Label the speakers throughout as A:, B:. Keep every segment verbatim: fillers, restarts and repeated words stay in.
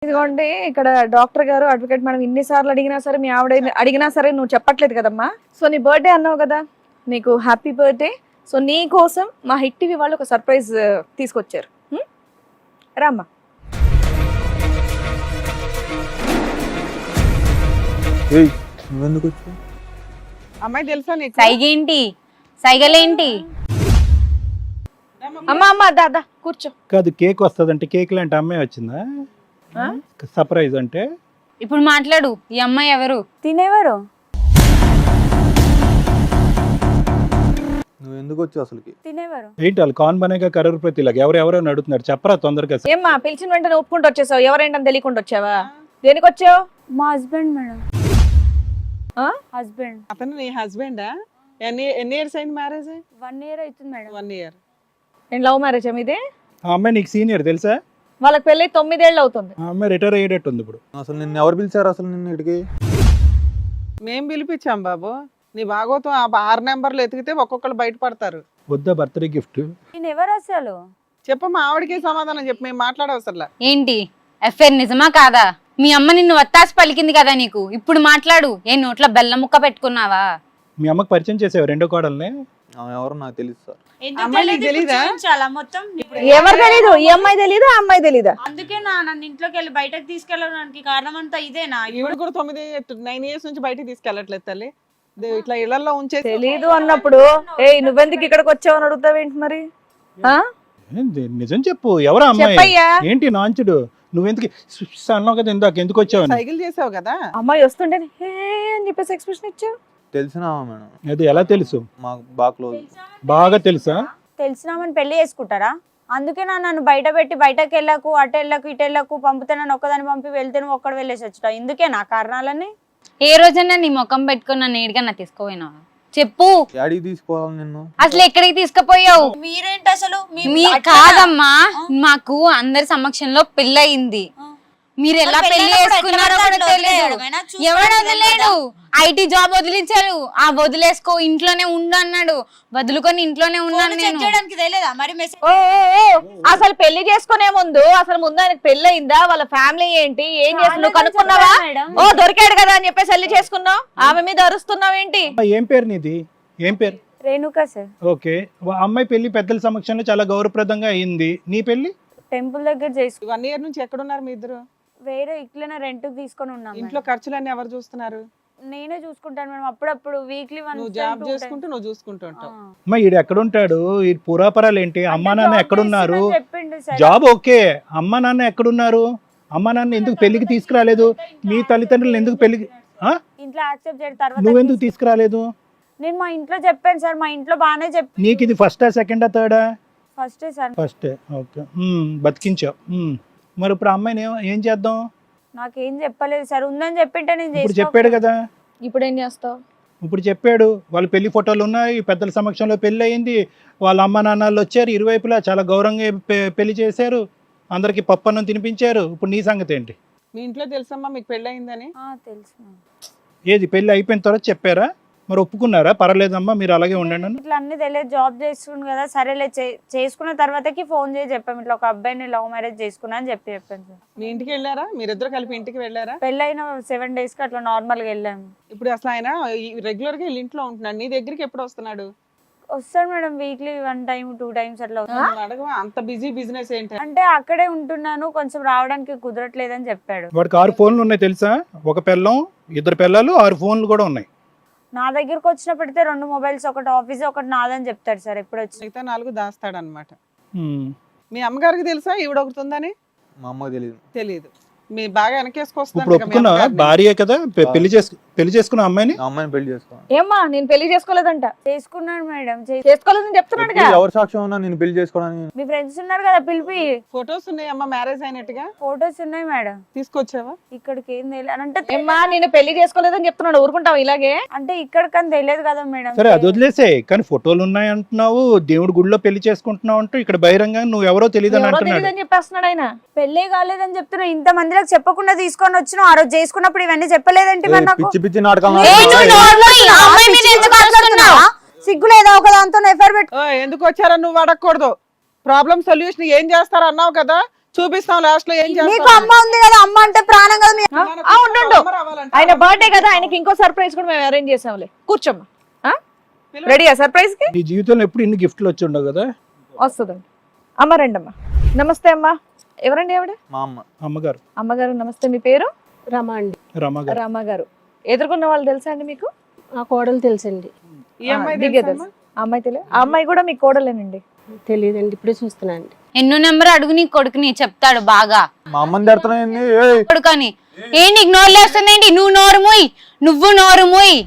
A: ఇదిగోండి ఇక్కడ డాక్టర్ గారు అడ్వకేట్ మేడం ఇన్నిసార్లు అడిగినా సరే మీ ఆవిడ అడిగినా సరే నువ్వు చెప్పట్లేదు కదమ్మా. సో నీ బర్త్డే అన్నావు కదా, నీకు హ్యాపీ బర్త్డే. సో నీ కోసం మా హిట్ టీవీ వాళ్ళు ఒక సర్ప్రైజ్ తీసుకొచ్చారు. రామ్మా.
B: అమ్మాయి తెలుసా నీకు?
C: సైగేంటి సైగలేంటి?
A: అమ్మా అమ్మా దాదా కూర్చో.
D: కాదు కేక్ వస్తుంది అంటే కేక్ లాంటి అమ్మాయి వచ్చిందా సర్ప్రైజ్ అంటే?
C: ఇప్పుడు మాట్లాడు, ఈ అమ్మాయి ఎవరు?
E: తినేవారు
F: నువ్వు ఎందుకు వచ్చావు అసలుకి?
E: తినేవారు
D: ఏంటి వాళ్ళు కాన్ బనేగా కరూర్ ప్రతిలాగా ఎవరు ఎవరో అడుగుతున్నారు, చెప్పరా తొందరగా.
A: ఏమ్మా పిలిచిన వెంటనే ఒప్పుకుంటూ వచ్చేసావు, ఎవరేంటని తెలియకుండా వచ్చావా? దేనికి వచ్చావు?
E: మా హస్బెండ్ మేడం. హస్బెండ్.
B: అతను నీ హస్బెండా? ఎన్ని ఎన్ని ఇయర్స్ అయింది మ్యారేజ్?
E: వన్ ఇయర్ అవుతుంది మేడం.
B: One year.
A: నేను లవ్ మ్యారేజ్ మీదే?
D: ఆ అమ్మాయి నీకు సీనియర్ తెలుసా?
A: వాళ్ళకి పెళ్ళి తొమ్మిదేళ్ళు అవుతుంది.
D: ఆ అమ్మాయి రిటైర్ అయ్యేటట్టు ఉంది ఇప్పుడు.
F: అసలు నిన్ను ఎవరు పిలిచారు అసలు నిన్ను ఇక్కడికి?
B: మేం పిలిపించాం బాబు. నీ భాగవతం ఆ ఆరు నెంబర్లు ఎతికితే ఒక్కొక్కరు బయటపడతారు.
D: వద్దా బర్త్డే గిఫ్ట్?
E: నేను ఎవరు అసలు?
B: చెప్పు, మా ఆవిడకి సమాధానం చెప్పు, మేము మాట్లాడవసరలా.
C: ఏంటి ఎఫ్ఐఆర్ నిజమా కాదా? మీ అమ్మ నిన్ను వత్తాసి పలికింది కదా నీకు, ఇప్పుడు మాట్లాడు. ఏ నోట్లో బెల్లం ముక్క పెట్టుకున్నావా?
D: మీ అమ్మకి పరిచయం చేసావు రెండో కోడల్ని?
F: ఆమె ఎవరు నాకు తెలుసు సార్.
B: అమ్మాయి నీకు తెలీదా?
E: మొత్తం
A: ఎవరు తెలీదు? ఈ అమ్మాయి తెలీదు, ఆ అమ్మాయి తెలీదా?
E: అందుకే నా నన్ను ఇంట్లోకి వెళ్ళి బయటకు తీసుకెళ్ళడానికి కారణం అంతా ఇదేనా?
B: ఈవిడ కూడా తొమ్మిది నైన్ ఇయర్స్ నుంచి బయటకు తీసుకెళ్ళట్లేదు తల్లి. దే- ఇట్లా ఇళ్లలో ఉంచే
A: తెలీదు అన్నప్పుడు ఏ నువ్వెందుకు ఇక్కడికి వచ్చావు అని అడుగుతావేంటి మరి? ఆ?
D: ఏంది? నిజం చెప్పు, ఎవరా అమ్మాయి?
A: చెప్పయ్యా.
D: ఏంటి నాంచుడు? నువ్వెందుకు సుస్ అన్నావు కదా ఇందాక, ఎందుకు వచ్చావు?
B: సైకిల్ చేసావు కదా.
A: అమ్మాయి వస్తుంటే హే అని చెప్పేసి ఎక్స్ప్రెషన్ ఇచ్చావు.
F: తెలిసినా మేడం?
D: అది ఎలా తెలుసు?
F: మాకు బాగా క్లోజ్.
D: బాగా తెలుసా?
E: తెలిసినామని పెళ్లి చేసుకుంటారా? అందుకే నా నన్ను బయట పెట్టి బయటకు వెళ్ళకు, అటు వెళ్ళకు, ఇటు వెళ్ళకు పంపితే నన్ను ఒక్కదాన్ని పంపి వెళ్తే నువ్వు ఒక్కడ వెళ్ళేసి వచ్చా. ఇందుకే నా కారణాలన్నీ.
C: ఏ రోజన్నా నీ ముఖం పెట్టుకుని నన్ను ఏడుగా నా తీసుకోపోయినా చెప్పు.
F: డాడీకి తీసుకోవాలి నిన్ను.
C: అసలు ఎక్కడికి తీసుకుపోయావు?
E: మీరేంటి అసలు?
C: మీ కాదమ్మా, మాకు అందరి సమక్షంలో పెళ్ళయింది. మీరు ఎలా పెళ్లి చేసుకున్నారో కూడా తెలియదు. ఎవడు వదిలేడు? IT job వదిలించారు. ఆ వదిలేసుకో, ఇంట్లోనే ఉండు అన్నాడు. వదులుకొని ఇంట్లోనే ఉన్నాను నేను.
A: ఓ ఓ, ఓ, అసలు పెళ్లి చేసుకునే ముందు అసలు ముందు ఆయనకు పెళ్లి అయిందా? వాళ్ళ ఫ్యామిలీ ఏంటి, ఏం చేస్తున్నావు కనుక్కున్నావా? ఓ దొరికాడు కదా అని చెప్పేసి పెళ్లి చేసుకున్నావు. ఆమె మీద అరుస్తున్నావు ఏంటి?
D: ఏం పేరు నీది? ఏం పేరు?
E: రేణుకా సార్.
D: ఓకే, అమ్మాయి పెళ్లి పెద్దల సమక్షంలో చాలా గౌరవప్రదంగా అయింది. నీ పెళ్లి
E: టెంపుల్ దగ్గర చేసుకు.
B: వన్ ఇయర్ నుంచి ఎక్కడున్నారు మీ ఇద్దరు?
E: వేరే ఇట్లనే రెంట్ తీసుకొని ఉన్నాం.
B: ఇంట్లో ఖర్చులన్నీ ఎవరు చూస్తున్నారు?
E: నేనే చూసుకుంటాను మేడం. అప్పుడప్పుడు వీక్లీ వన్.
B: నువ్వు జాబ్ చేసుకుంటూ నువ్వు చూసుకుంటూ ఉంటావు.
D: అమ్మా ఈడు ఎక్కడుంటాడు? ఈ పురాపరాలు ఏంటి? అమ్మా నాన్న ఎక్కడున్నారు?
E: చెప్పిండు సార్.
D: జాబ్ ఓకే, అమ్మా నాన్న ఎక్కడున్నారు? అమ్మా నాన్న ఎందుకు పెళ్లికి తీసుకురాలేదు? మీ తల్లిదండ్రులు ఎందుకు పెళ్లికి ఆ?
E: ఇంట్లో యాక్సెప్ట్ చేయడం తర్వాత
D: నువ్వెందుకు తీసుకురాలేదు?
E: నేను మా ఇంట్లో చెప్పాను సార్. మా ఇంట్లో బాగానే చెప్పి.
D: నీకు ఇది ఫస్టా సెకండా థర్డా?
E: First sir.
D: ఫస్టే. ఓకే, బతికించావు. ఉమ్. మరి ఇప్పుడు అమ్మాయిని ఏం- ఏం చేద్దాం?
E: నాకేం చెప్పలేదు సార్. ఉందని చెప్పింటే నేను
D: ఇప్పుడు
E: చేసుకో-
D: చెప్పాడు కదా.
A: ఇప్పుడు ఏం చేస్తావు?
D: ఇప్పుడు చెప్పాడు, వాళ్ళ పెళ్లి ఫోటోలు ఉన్నాయి, పెద్దల సమక్షంలో పెళ్లి అయింది, వాళ్ళ అమ్మ నాన్నలు వచ్చారు, ఇరువైపులా చాలా గౌరవంగా పె- పెళ్లి చేశారు, అందరికి పప్పన్నం తినిపించారు. ఇప్పుడు నీ సంగతి ఏంటి?
B: మీ ఇంట్లో తెలుసమ్మా మీకు పెళ్లి అయిందని?
E: ఆ, తెలుసు మేడం.
D: ఏది పెళ్లి అయిపోయిన తర్వాత చెప్పారా? మరి ఒప్పుకున్నారా? పర్లేదమ్మా మీరు అలాగే ఉండండి అని.
E: ఇట్లా అన్ని తెలియదు. జాబ్ చేసుకుని కదా, సరేలే చే- చేసుకున్న తర్వాతకి ఫోన్ చేసి చెప్పాము ఇట్లా ఒక అబ్బాయిని లవ్ మ్యారేజ్ చేసుకున్నా అని చెప్పి చెప్పాను సార్.
B: మీ ఇంటికి వెళ్ళారా? మీరిద్దరు కలిపి ఇంటికి వెళ్ళారా?
E: పెళ్ళైన సెవెన్ డేస్ కి అట్లా నార్మల్ గా వెళ్ళాము.
B: ఇప్పుడు అసలు ఆయన రెగ్యులర్ గా వీళ్ళ ఇంట్లో ఉంటున్నాడు, నీ దగ్గరికి ఎప్పుడు వస్తున్నాడు?
E: వస్తాడు madam, weekly one time two times అట్లా వస్తాడు.
B: నువ్వు అడగవా అంత బిజీ బిజినెస్ ఏంటి?
E: అంటే అక్కడే ఉంటున్నాను, కొంచెం రావడానికి కుదరట్లేదని చెప్పాడు.
D: వాడికి ఆరు ఫోన్లు ఉన్నాయి తెలుసా? ఒక పిల్లం, ఇద్దరు పిల్లలు, ఆరు ఫోన్లు కూడా ఉన్నాయి.
E: నా దగ్గరకు వచ్చినప్పటితే రెండు మొబైల్స్, ఒకటి ఆఫీస్ ఒకటి నాదని చెప్తాడు సార్ ఎప్పుడు వచ్చి.
B: మిగతా నాలుగు దాస్తాడు అనమాట.
D: ఉమ్.
B: మీ అమ్మగారికి తెలుసా ఈవిడ ఒకటి ఉందని?
F: మా అమ్మకి తెలియదు.
B: తెలియదు. మీ బాగా
D: ఇప్పుడు
B: వెనకేసుకొస్తున్నాడు
D: ఒప్పుకున్నా భార్యే కదా, పె- పెళ్లి చేసుకు పెళ్లి చేసుకున్న అమ్మాయిని.
F: ఆ అమ్మాయిని పెళ్లి చేసుకోవాలి.
A: ఏమ్మా నేను పెళ్లి చేసుకోలేదంట.
E: చేసుకున్నాడు మేడం. చే-
A: చేసుకోలేదని చెప్తున్నాడుగా.
F: ఎప్పుడు ఎవరు సాక్ష్యం ఉన్నా నేను పెళ్లి చేసుకోవడానికి?
E: మీ ఫ్రెండ్స్ ఉన్నారు కదా, పిలిపి.
B: ఫొటోస్ ఉన్నాయి అమ్మ మ్యారేజ్ అయినట్టుగా.
E: ఫొటోస్ ఉన్నాయి మేడం.
B: తీసుకొచ్చావా?
E: ఇక్కడికి ఏం తెలియదు అని అంటే
A: ఏమ్మా నేను పెళ్లి చేసుకోలేదని చెప్తున్నాడు, ఊరుకుంటావు ఇలాగే?
E: అంటే ఇక్కడికని తెలియదు కదా మేడం.
D: సరే అది వదిలేసే, కానీ ఫోటోలు ఉన్నాయి అంటున్నావు, దేవుడి గుడిలో పెళ్లి చేసుకుంటున్నావు అంటూ ఇక్కడ బహిరంగ నువ్వు ఎవరో తెలియదు అని
A: ఎవరో
D: అంటున్నాడు.
A: తెలియదని చెప్పేస్తున్నాడు ఆయన.
E: పెళ్లి కాలేదని చెప్తున్నా. ఇంత మందిలకు చెప్పకుండా తీసుకొని వచ్చిన ఆ రోజు చేసుకున్నప్పుడు ఇవన్నీ చెప్పలేదంటే మరి నాకు
F: పిచ్చి పిచ్చి నాటకాలు
C: ఏ నువ్వు నోరు మూయి, ఆ అమ్మాయి మీద ఎందుకు అరుస్తున్నావు?
E: సిగ్గు లేదా? ఒక దాంతో ఎఫ్ఐఆర్ పెట్టు.
B: ఓ, ఎందుకు వచ్చారో నువ్వు అడగకూడదు. ప్రాబ్లం సొల్యూషన్ ఏం చేస్తారు అన్నావు కదా, చూపిస్తాం లాస్ట్ లో ఏం
E: నీకు
B: చేస్తాం
E: అమ్మ ఉంది కదా, అమ్మ అంటే ప్రాణం కదా. మీ-
A: ఆ, ఆ, ఉండు ఆయన బర్త్డే కదా, ఆయనకి ఇంకో సర్ప్రైజ్ కూడా మేము అరేంజ్ చేసాంలే. కూర్చోమ్మా. రెడీయా సర్ప్రైజ్ కి?
D: నీ జీవితంలో ఎప్పుడు ఇన్ని గిఫ్ట్లు వచ్చి ఉండవు కదా.
A: వస్తుందండి. అమ్మ రండి అమ్మా. నమస్తే అమ్మా. ఎవరండి ఆవిడ?
F: మా అమ్మ.
D: అమ్మగారు.
A: అమ్మగారు నమస్తే. మీ పేరు?
G: రమ అండి.
D: రమ్మగారు.
A: రామగారు. ఎదుర్కొన్న వాళ్ళు తెలుసా అండి మీకు?
G: ఆ కోడలు తెలుసండి.
B: ఈ అమ్మాయి
A: దిగే
B: తెలుసా
A: తెలుసు. ఆ అమ్మాయి తెలియదు. ఆ అమ్మాయి కూడా మీ కోడలేనండి.
G: తెలియదండి, ఇప్పుడే చూస్తున్నాండి.
C: ఎన్నో నెంబర్ అడుగు నీ కొడుకుని చెప్తాడు బాగా.
F: మా అమ్మని తిడుతున్నాయండి. ఏయ్
C: కొడుకని ఏ నీకు నోరు లేస్తుందేంటి? నువ్వు నోరు మూయి, నువ్వు నోరు మూయి.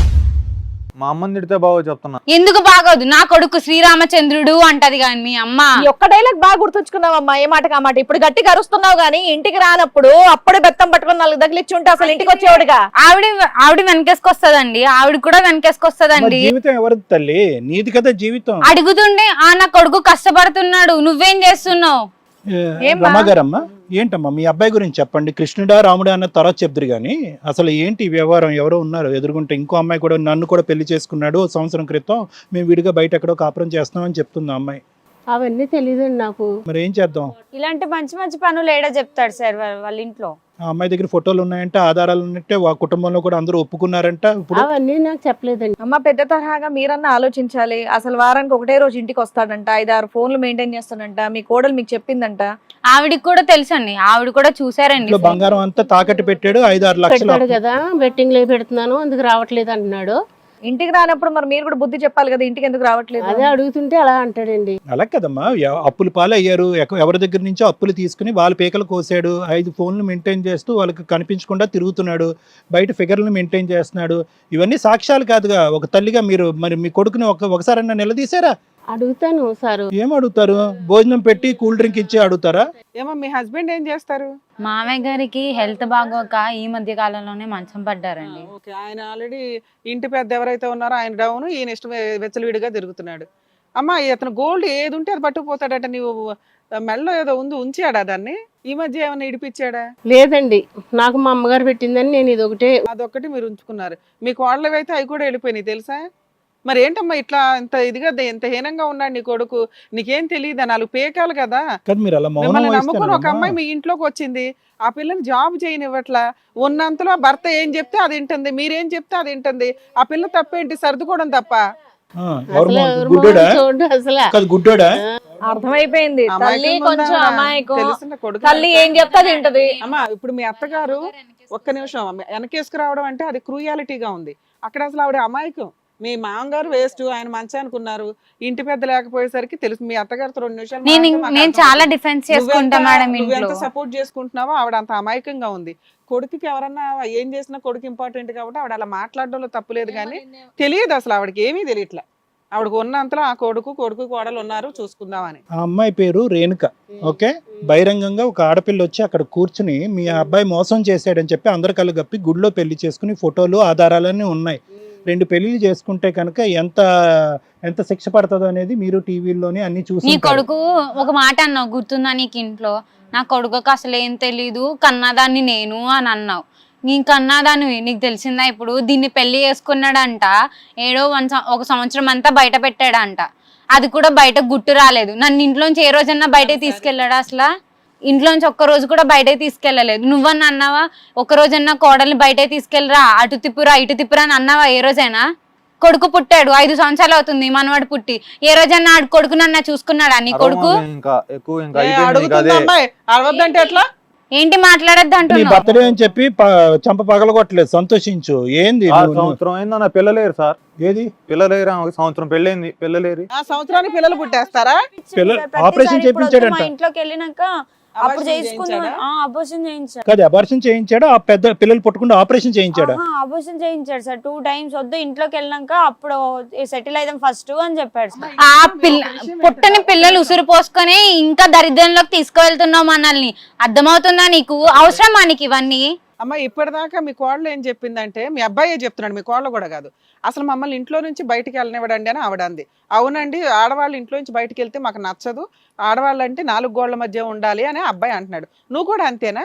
F: మా అమ్మని తిడితే బాగో చెప్తున్నా.
C: ఎందుకు బాగోదు? నా కొడుకు శ్రీరామచంద్రుడు అంటది కానీ మీ అమ్మ.
A: ఈ ఒక్క డైలాగ్ బాగా గుర్తుంచుకున్నావమ్మా, ఏ మాటకి ఆ మాట. ఇప్పుడు గట్టిగా అరుస్తున్నావు గానీ ఇంటికి రానప్పుడు అప్పుడే బెత్తం పట్టుకొని నాలుగు తగిలిచ్చి ఉంటే అసలు ఇంటికి వచ్చేవాడుగా.
C: ఆవిడ ఆవిడ వెనకేసుకొస్తదండి, ఆవిడ కూడా
D: మరి
C: వెనకేసుకొస్తదండి.
D: జీవితం ఎవరిది తల్లి? నీది కదా జీవితం.
C: అడుగుతుండే ఆ నా కొడుకు కష్టపడుతున్నాడు, నువ్వేం చేస్తున్నావు?
A: ఏమ్మా?
D: రమ్మగారమ్మా, ఏంటమ్మా మీ అబ్బాయి గురించి చెప్పండి. కృష్ణుడా రాముడా అన్న తర్వాత చెప్తురు కానీ అసలు ఏంటి ఈ వ్యవహారం? ఎవరో ఉన్నారు ఎదురుకుంటే, ఇంకో అమ్మాయి కూడా నన్ను కూడా పెళ్లి చేసుకున్నాడు ఓ సంవత్సరం క్రితం, మేము విడిగా బయట ఎక్కడో కాపురం చేస్తామని చెప్తుంది ఆ అమ్మాయి.
G: అవన్నీ తెలియదండి నాకు.
D: మరి ఏం చేద్దాం?
E: ఇలాంటి మంచి మంచి పనులు ఏడా చెప్తాడు సార్ వాళ్ళ వాళ్ళ ఇంట్లో.
D: ఆ అమ్మాయి దగ్గర ఫోటోలు ఉన్నాయంటే, ఆధారాలు ఉన్నట్టే, ఆ కుటుంబంలో కూడా అందరూ ఒప్పుకున్నారంట. ఇప్పుడు
G: అవన్నీ నాకు చెప్పలేదండి.
A: అమ్మ పెద్ద తరహాగా మీరన్నా ఆలోచించాలి. అసలు వారానికి ఒకటే రోజు ఇంటికి వస్తాడంట, ఐదు ఆరు ఫోన్లు మెయింటైన్ చేస్తాడంట, మీ కోడలు మీకు చెప్పిందంట.
C: ఆవిడికి కూడా తెలుసండి, ఆవిడ కూడా చూసారండి.
D: ఇంట్లో బంగారం అంతా తాకట్టు పెట్టాడు, ఐదు ఆరు లక్షలు
G: పెట్టాడు
D: అప్పు.
G: కదా, బెట్టింగ్ లో పెడుతున్నాను అందుకు రావట్లేదు అంటున్నాడు.
A: ఇంటికి రానప్పుడు మరి మీరు కూడా బుద్ధి చెప్పాలి కదా, ఇంటికి ఎందుకు రావట్లేదు?
G: అదే అడుగుతుంటే అలా అంటాడండి.
D: అలా కదమ్మా, ఎవ- అప్పులు పాలు అయ్యారు, ఎక- ఎవరి దగ్గర నుంచో అప్పులు తీసుకుని వాళ్ళ పీకలు కోసాడు, ఐదు ఫోన్లు మెయింటైన్ చేస్తూ వాళ్ళకి కనిపించకుండా తిరుగుతున్నాడు, బయట ఫిగర్లు మెయింటైన్ చేస్తున్నాడు. ఇవన్నీ సాక్ష్యాలు కాదుగా. ఒక తల్లిగా మీరు మరి మీ కొడుకుని ఒక ఒకసారన్నా నిలదీశారా?
G: అడుగుతాను సారు.
D: ఏం అడుగుతారు? భోజనం పెట్టి కూల్ డ్రింక్ ఇచ్చి అడుగుతారా?
B: ఏమో మీ హస్బెండ్ ఏం చేస్తారు?
C: మామయ్య గారికి హెల్త్ బాగోక ఈ మధ్య కాలంలోనే మంచం పడ్డారండి.
B: ఓకే, ఆయన ఆల్రెడీ ఇంటి పెద్ద ఎవరైతే ఉన్నారో ఆయన డౌన్, ఈయన ఇష్టం వెచ్చలవిడిగా తిరుగుతున్నాడు. అమ్మా ఇతను గోల్డ్ ఏది ఉంటే అది పట్టుకుపోతాడట. నీవు మెడలో ఏదో ఉంది, ఉంచాడా దాన్ని? ఈ మధ్య ఏమైనా ఇడిపించాడా?
G: లేదండి, నాకు మా అమ్మగారు పెట్టిందని నేను ఇది ఒకటే.
B: అదొక్కటి మీరు ఉంచుకున్నారు. మీ కోడలు అయితే అవి కూడా వెళ్ళిపోయినాయి తెలుసా? మరి ఏంటమ్మా ఇట్లా ఇంత ఇదిగా ఎంత హీనంగా ఉన్నాడు నీ కొడుకు? నీకేం తెలియదా? నాలుగు పేకాలు కదా.
D: కదా మీరు అలా మౌనం
B: మిమ్మల్ని నమ్ముకుని ఒక
D: వహిస్తారమ్మా.
B: అమ్మాయి మీ ఇంట్లోకి వచ్చింది, ఆ పిల్లని జాబ్ చేయనివ్వట్లా. ఉన్నంతలో భర్త ఏం చెప్తే అది వింటుంది, మీరేం చెప్తే అది వింటుంది. ఆ పిల్ల తప్పేంటి? సర్దుకోవడం తప్ప.
D: ఆ, ఎవరు
G: అసలు
D: మౌనం?
G: ఎవరు
D: గుడ్డోడా?
G: మొహం చూడు అసలు.
D: కాదు గుడ్డోడా?
A: అర్థమైపోయింది. తల్లి
B: అమాయకంగా
A: కొంచెం
B: ఉందా?
A: అమాయకం,
B: తెలిసిన కొడుకు.
A: తల్లి ఏం చెప్తా తింటది.
B: అమ్మా ఇప్పుడు మీ అత్తగారు ఒక్క నిమిషం వెనకేసుకురావడం అంటే అది క్రూయాలిటీగా ఉంది. అక్కడ అసలు ఆవిడ అమాయకం. మీ మామగారు వేస్ట్, ఆయన మంచానికి ఉన్నారు, ఇంటి పెద్ద లేకపోయేసరికి తెలుసు. మీ అత్తగారితో రెండు నిమిషాలు
C: నేను
B: మాట్లాడితే మాకు
C: నేను
B: అర్థమవుతుంది.
C: చాలా డిఫెన్స్ చేసుకుంటా మేడం ఇంట్లో.
B: నువ్వెంత సపోర్ట్ చేసుకుంటున్నావో ఆవిడ అంత అమాయకంగా ఉంది. కొడుకుకి ఎవరన్నా ఏం చేసినా కొడుకు ఇంపార్టెంట్ కాబట్టి ఆవిడ అలా మాట్లాడడంలో తప్పులేదు, కానీ తెలియదు అసలు ఆవిడకి ఏమీ తెలియట్లా. ఆవిడకు ఉన్నంతలో ఆ కొడుకు కొడుకు కోడలు ఉన్నారు చూసుకుందామని.
D: ఆ అమ్మాయి పేరు రేణుక. ఓకే, బహిరంగంగా ఒక ఆడపిల్ల వచ్చి అక్కడ కూర్చుని మీ అబ్బాయి మోసం చేశాడని చెప్పి అందరు కళ్ళు గప్పి గుడిలో పెళ్లి చేసుకుని ఫోటోలు ఆధారాలన్నీ ఉన్నాయి. రెండు పెళ్లిళ్ళు చేసుకుంటే కనుక ఎంత ఎంత శిక్ష పడుతుందో అనేది మీరు టీవీలోనే అన్ని
C: నీ
D: చూసి.
C: కొడుకు ఒక మాట అన్నావు గుర్తుందా నీకు ఇంట్లో? నా కొడుకుకి అసలు ఏం తెలీదు, కన్నదాన్ని నేను అని అన్నావు. నీ కన్నదాన్ని నీకు తెలిసిందా ఇప్పుడు? దీన్ని పెళ్లి చేసుకున్నాడంట, ఏడో వన్ ఒక సంవత్సరం అంతా బయట పెట్టాడంట. అది కూడా బయట గుట్టు రాలేదు. నన్ను ఇంట్లోంచి ఏ రోజన్నా బయటకు తీసుకెళ్ళాడా? అసలు ఇంట్లోంచి ఒక్క రోజు కూడా బయటకు తీసుకెళ్ళలేదు. నువ్వన్నా అన్నావా ఒక్క రోజన్నా కోడల్ని బయటకు తీసుకెళ్ళరా, అటు తిప్పురా ఇటు తిప్పురా అని అన్నావా ఏ రోజైనా? కొడుకు పుట్టాడు, ఐదు సంవత్సరాలు అవుతుంది మనవాడు పుట్టి. ఏ రోజన్నా ఆడు కొడుకు నన్ను చూసుకున్నాడా నీ కొడుకు?
F: ఇంకా ఎక్కువ ఇంకా
B: ఏ,
F: అయిపోయింది ఇంకా
B: అడుగుతుంది
F: అదే.
B: అమ్మాయి, అడవద్దంటే ఎట్లా?
C: ఏంటి మాట్లాడద్దు
D: నీ
C: అంటున్నావు?
D: బర్త్డే అని చెప్పి ప- చంప పగలగొట్టలేదు, సంతోషించు. ఏంది
F: ఆ
D: నువ్వు- నువ్వు-
F: సంవత్సరం అయింది నా పిల్లలేరు సార్.
D: ఏది
F: పిల్లలేరు, ఒక సంవత్సరం పెళ్ళైంది పిల్లలేరు.
B: ఆ సంవత్సరానికి పిల్లలు పుట్టేస్తారా?
D: పిల్ల-
E: ప్రతిసారి
D: ఆపరేషన్
E: ఇప్పుడు వచ్చి
D: చేయించాడంట.
E: మా ఇంట్లోకి వెళ్ళినాక అప్పుడు
B: అబార్షన్
E: చేసుకుందాం
B: చేయించాడా?
E: అబోషన్ చేయించాడు.
D: కాదు, అబార్షన్ చేయించాడా? ఆ పెద్ద పిల్లలు పుట్టకుండా ఆపరేషన్ చేయించాడా?
E: అబోషన్ చేయించాడు సార్ టూ టైమ్స్. వద్దు ఇంట్లోకి వెళ్ళినాక అప్పుడు సెటిల్ అయిదాం ఫస్ట్ అని చెప్పాడు సార్.
C: ఆ పిల్ల పుట్టని పిల్లలు ఉసురు పోసుకొని ఇంకా దరిద్రంలోకి తీసుకువెళ్తున్నావు మనల్ని. అర్థమవుతుందా నీకు? అవసరమా నీకు ఇవన్నీ?
B: అమ్మ ఇప్పటిదాకా మీ కోడలు ఏం చెప్పిందంటే, మీ అబ్బాయే చెప్తున్నాడు, మీ కోడలు కూడా కాదు, అసలు మమ్మల్ని ఇంట్లో నుంచి బయటికి వెళ్ళనివ్వడండి అని ఆవిడ అంది. అవునండి, ఆడవాళ్ళు ఇంట్లో నుంచి బయటికి వెళ్తే మాకు నచ్చదు, ఆడవాళ్ళు అంటే నాలుగు గోళ్ల మధ్య ఉండాలి అని అబ్బాయి అంటున్నాడు. నువ్వు కూడా అంతేనా?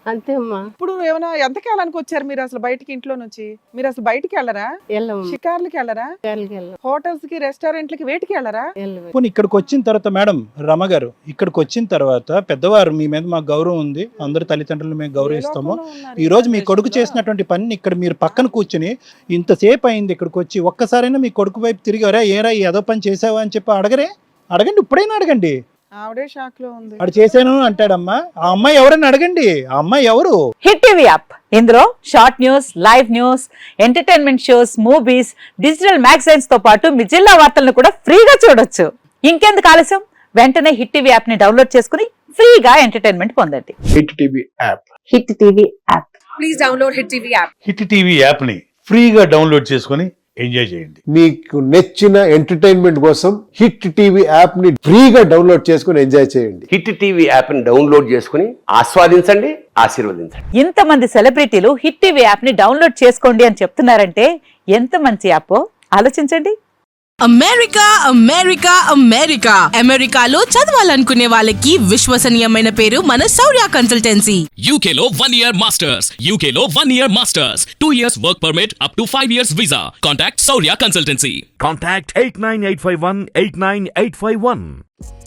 G: అంతే అమ్మా.
B: ఇప్పుడు ఏమైనా ఎంతకాలానికి వచ్చారు మీరు అసలు బయటికి ఇంట్లో నుంచి? మీరు అసలు బయటికి వెళ్ళరా?
G: వెళ్ళము
B: షికార్లకి వెళ్ళరా?
G: వెళ్ళం
B: హోటల్స్ కి రెస్టారెంట్లకి వేటికి వెళ్ళరా?
G: వెళ్ళము
D: పోనీ ఇక్కడికి వచ్చిన తర్వాత మేడం రమ గారు ఇక్కడికి వచ్చిన తర్వాత పెద్దవారు మీ మీద మాకు గౌరవం ఉంది, అందరి తల్లిదండ్రులు మేము గౌరవిస్తాము. ఈ రోజు మీ కొడుకు చేసినటువంటి పని ఇక్కడ మీరు పక్కన కూర్చుని ఇంతసేపు అయింది ఇక్కడికి వచ్చి ఒక్కసారైనా మీ కొడుకు వైపు తిరిగారా, ఏరా ఏదో పని చేసావా అని చెప్పి అడగరే? అడగండి, ఇప్పుడైనా అడగండి.
B: ఆవిడే షాక్ లో ఉంది.
D: వాడు చేశాను అంటాడమ్మా. ఆ అమ్మాయి ఎవరైనా అడగండి, ఆ అమ్మాయి ఎవరు?
H: హిట్ టీవీ యాప్ ఇందులో short news, live news, entertainment shows, movies, digital magazines తో పాటు మీ జిల్లా వార్తలను కూడా ఫ్రీగా చూడొచ్చు. ఇంకెందుకు ఆలస్యం, వెంటనే హిట్ టీవీ యాప్ ని డౌన్లోడ్ చేసుకుని ఫ్రీగా ఎంటర్టైన్మెంట్ పొందండి.
I: Hit TV app
H: Hit TV app
A: please download Hit TV app.
I: Hit TV app ని ఫ్రీగా డౌన్లోడ్ చేసుకొని ఎంజాయ్ చేయండి.
J: మీకు నచ్చిన ఎంటర్టైన్మెంట్ కోసం హిట్ టీవీ యాప్ ని ఫ్రీగా డౌన్లోడ్ చేసుకుని ఎంజాయ్ చేయండి.
K: హిట్ టీవీ యాప్ ని డౌన్లోడ్ చేసుకుని ఆస్వాదించండి, ఆశీర్వదించండి.
H: ఇంతమంది సెలబ్రిటీలు హిట్ టీవీ యాప్ ని డౌన్లోడ్ చేసుకోండి అని చెప్తున్నారంటే ఎంత మంచి యాప్ ఆలోచించండి.
L: అమెరికా అమెరికా అమెరికా అమెరికాలో చదవాలనుకునే వాళ్ళకి విశ్వసనీయమైన పేరు మన శౌర్య కన్సల్టెన్సీ.
M: యూకేలో వన్ ఇయర్ మాస్టర్స్ యూకేలో one year masters two years work permit up to five years visa. Contact Shourya consultancy.
N: Contact eight nine eight five one eight nine eight five one.